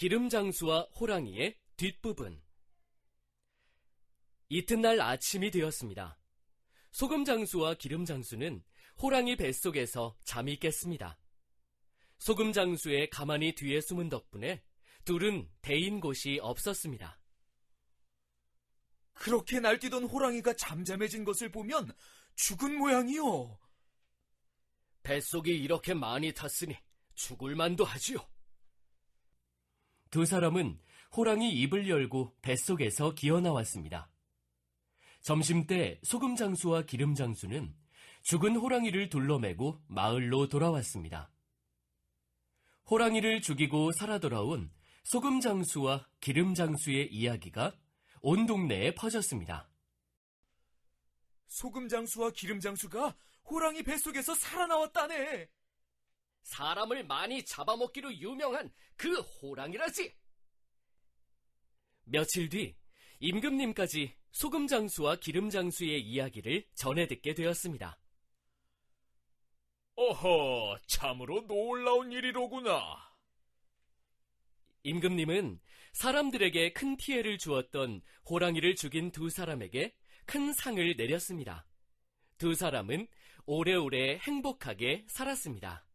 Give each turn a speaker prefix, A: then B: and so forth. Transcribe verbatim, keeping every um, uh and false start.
A: 기름장수와 호랑이의 뒷부분. 이튿날 아침이 되었습니다. 소금장수와 기름장수는 호랑이 뱃속에서 잠이 깼습니다. 소금장수의 가만히 뒤에 숨은 덕분에 둘은 데인 곳이 없었습니다.
B: 그렇게 날뛰던 호랑이가 잠잠해진 것을 보면 죽은 모양이요.
A: 뱃속이 이렇게 많이 탔으니 죽을 만도 하지요. 두 사람은 호랑이 입을 열고 뱃속에서 기어나왔습니다. 점심때 소금장수와 기름장수는 죽은 호랑이를 둘러매고 마을로 돌아왔습니다. 호랑이를 죽이고 살아 돌아온 소금장수와 기름장수의 이야기가 온 동네에 퍼졌습니다.
B: 소금장수와 기름장수가 호랑이 뱃속에서 살아나왔다네.
A: 사람을 많이 잡아먹기로 유명한 그 호랑이라지. 며칠 뒤 임금님까지 소금장수와 기름장수의 이야기를 전해 듣게 되었습니다.
C: 어허, 참으로 놀라운 일이로구나.
A: 임금님은 사람들에게 큰 피해를 주었던 호랑이를 죽인 두 사람에게 큰 상을 내렸습니다. 두 사람은 오래오래 행복하게 살았습니다.